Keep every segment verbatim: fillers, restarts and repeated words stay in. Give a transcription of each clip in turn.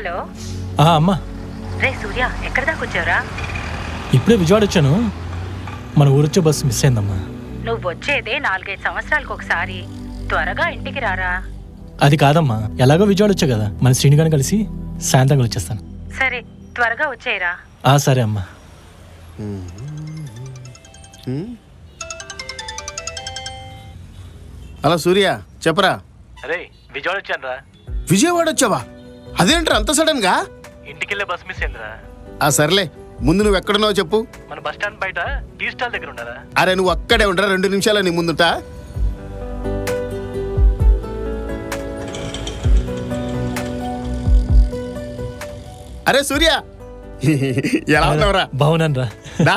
Hello అమ్మా. రే సూర్య, ఎక్కడ దాకా వచ్చావురా? ఇప్పుడే విజయవాడ వచ్చాను. మన ఊరొచ్చే బస్సు మిస్ అయిందమ్మా. నువ్వు వచ్చేదే నాలుగైదు సంవత్సరాలకు ఒకసారి. త్వరగా ఇంటికి రారా. అది కాదమ్మా, ఎలాగో విజయవాడ వచ్చా కదా, మన శ్రీనిగాని కలిసి సాయంత్రం వచ్చేస్తాను. సరే, త్వరగా వచ్చేయరా. ఆ సరే అమ్మా. హలో సూర్య, చెప్పరా. అరే విజయవాడ వచ్చాను రా. విజయవాడ వచ్చావా? అదేంట్రా అంత సడన్ గా? ఇంటికి వెళ్ళే బస్ మిస్ అయిందిరా. ఆ సర్లే, ముందు నువ్వు ఎక్కడున్నావు చెప్పు. మన బస్ స్టాండ్ బయట టీ స్టాల్ దగ్గర ఉన్నారా? అరే నువ్వు అక్కడే ఉండరా, రెండు నిమిషాలు నీ ముందుట. అరే సూర్య, ఎలా ఉన్నావురా? బాగున్నాను రా. దా.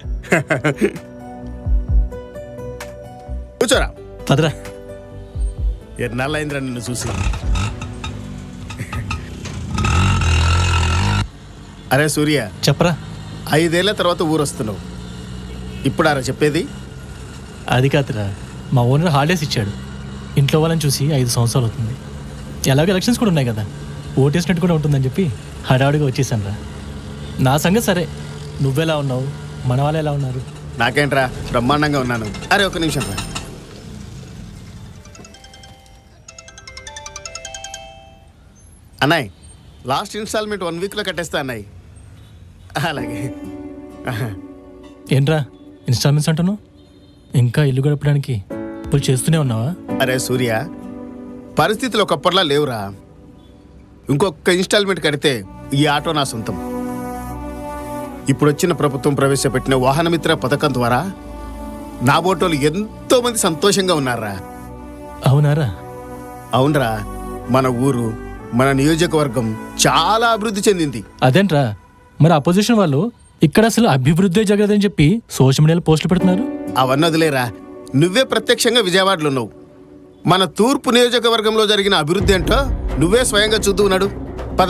కూర్చోరా. పదరా. ఎన్నాళ్ళైందిరా నిన్ను చూసి. అరే సూర్య, చెప్పరా. ఐదేళ్ల తర్వాత ఊరొస్తున్నావు, ఇప్పుడారా చెప్పేది? అది కాదురా, మా ఓనర్ హాలిడేస్ ఇచ్చాడు. ఇంట్లో వాళ్ళని చూసి ఐదు సంవత్సరాలు అవుతుంది. ఎలాగో ఎలక్షన్స్ కూడా ఉన్నాయి కదా, ఓటేసినట్టు కూడా ఉంటుందని చెప్పి హడావుడిగా వచ్చేసాను రా. నా సంగతి సరే, నువ్వెలా ఉన్నావు, మన వాళ్ళు ఎలా ఉన్నారు? నాకేంట్రా, బ్రహ్మాండంగా ఉన్నాను. అరే ఒక నిమిషం రా. అన్నాయ్, లాస్ట్ ఇన్స్టాల్మెంట్ వన్ వీక్లో కట్టేస్తా అన్నాయ్. అలాగే. ఏంట్రా ఇన్స్టాల్మెంట్స్ అంటున్నావు? ఇంకా ఇల్లు గడపడానికి ఇప్పుడు చేస్తూనే ఉన్నావా? అరే సూర్య, పరిస్థితులు ఒకప్పటిలా లేవురా. ఇంకొక ఇన్స్టాల్మెంట్ కడితే ఈ ఆటో నా సొంతం. ఇప్పుడు వచ్చిన ప్రభుత్వం ప్రవేశపెట్టిన వాహనమిత్ర పథకం ద్వారా నా బోటోలు ఎంతో మంది సంతోషంగా ఉన్నారా. అవునారా? అవునరా, మన ఊరు, మన నియోజకవర్గం చాలా అభివృద్ధి చెందింది. అదేంట్రా, మరి అపోజిషన్ వాళ్ళు ఇక్కడ అసలు అభివృద్ధి జరగదని చెప్పి సోషల్ మీడియాలో పోస్టులు పెడుతున్నారు. అవన్నీ వదిలేరా, నువ్వే ప్రత్యక్షంగా విజయవాడలో ఉన్నావు. మన తూర్పు నియోజకవర్గంలో జరిగిన అభివృద్ధి ఏంటో నువ్వే స్వయంగా చూస్తూ ఉన్నాడు. పద.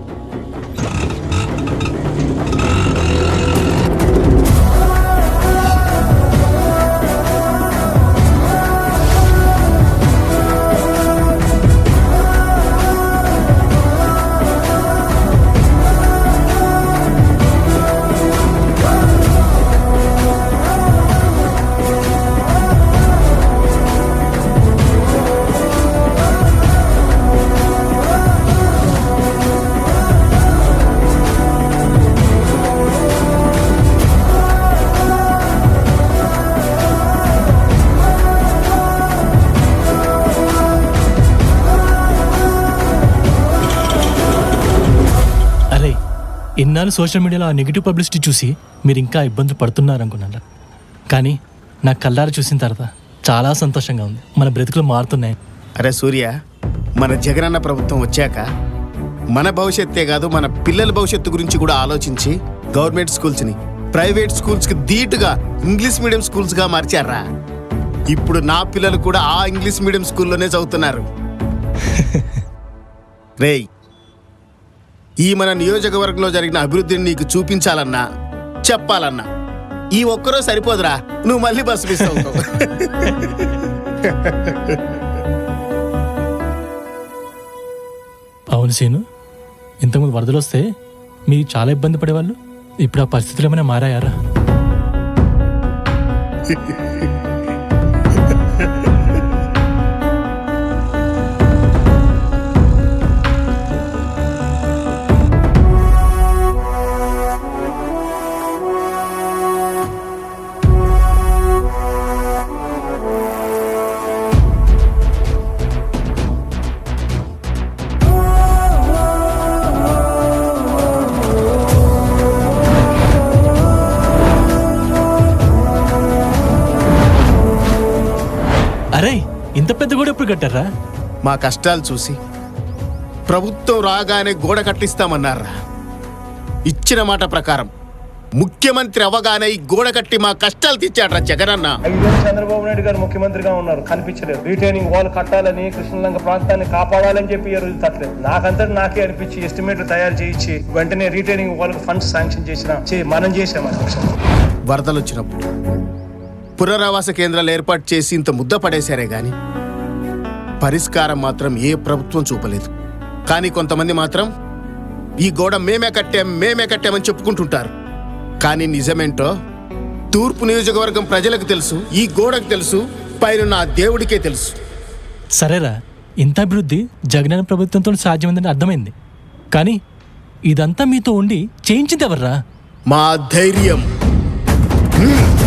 ఇన్నాళ్ళు సోషల్ మీడియాలో ఆ నెగిటివ్ పబ్లిసిటీ చూసి మీరు ఇంకా ఇబ్బందులు పడుతున్నారనుకున్నారా, కానీ నా కళ్ళారా చూసిన తర్వాత చాలా సంతోషంగా ఉంది. మన బ్రతుకులు మారుతున్నాయి. అరే సూర్య, మన జగనన్న ప్రభుత్వం వచ్చాక మన భవిష్యత్తే కాదు, మన పిల్లల భవిష్యత్తు గురించి కూడా ఆలోచించి గవర్నమెంట్ స్కూల్స్ని ప్రైవేట్ స్కూల్స్కి ధీటుగా ఇంగ్లీష్ మీడియం స్కూల్స్గా మార్చారా. ఇప్పుడు నా పిల్లలు కూడా ఆ ఇంగ్లీష్ మీడియం స్కూల్లోనే చదువుతున్నారు. రేయ్, ఈ మన నియోజకవర్గంలో జరిగిన అభివృద్ధిని నీకు చూపించాలన్నా చెప్పాలన్నా ఈ ఒక్కరో సరిపోదురా, నువ్వు మళ్ళీ బస్సు మిస్ అవుతావు. అవును సీను, ఇంతకుముందు వరదలు వస్తే మీరు చాలా ఇబ్బంది పడేవాళ్ళు. ఇప్పుడు ఆ పరిస్థితులు ఏమైనా మారాయారా? అరే, ఇంత పెద్ద గోడ ఎప్పుడు కట్టారా? మా కష్టాలు చూసి ప్రభుత్వం రాగానే గోడ కట్టిస్తామన్నారా. ఇచ్చిన మాట ప్రకారం ముఖ్యమంత్రి అవగానే ఈ గోడ కట్టి మా కష్టాలు తీర్చాడ్రా జగనన్న. ఐదేళ్ళు చంద్రబాబు నాయుడు గారు ముఖ్యమంత్రిగా ఉన్నారు, కనిపించలేదు. రిటైనింగ్ వాల్ కట్టాలని, కృష్ణలంక ప్రాంతాన్ని కాపాడాలని చెప్పి ఈ రోజు తట్టలేదు. నాకంతటి నాకే అనిపించి ఎస్టిమేట్లు తయారు చేయించి వెంటనే రిటైనింగ్ వాల్ ఫండ్స్ శాంక్షన్ చేసిన మనం చేసాం. వరదలు వచ్చినప్పుడు పునరావాస కేంద్రాలు ఏర్పాటు చేసి ఇంత ముద్ద పడేశారే గాని పరిష్కారం మాత్రం ఏ ప్రభుత్వం చూపలేదు. కానీ కొంతమంది మాత్రం ఈ గోడ మేమే కట్టాం మేమే కట్టామని చెప్పుకుంటుంటారు. కానీ నిజమేంటో తూర్పు నియోజకవర్గం ప్రజలకు తెలుసు, ఈ గోడకు తెలుసు, పైన నా దేవుడికే తెలుసు. సరేరా, ఇంత అభివృద్ధి జగనన్న ప్రభుత్వంతో సాధ్యమైందని అర్థమైంది. కానీ ఇదంతా మీతో ఉండి చేయించింది ఎవర్రా? మా ధైర్యం. హ్మ్.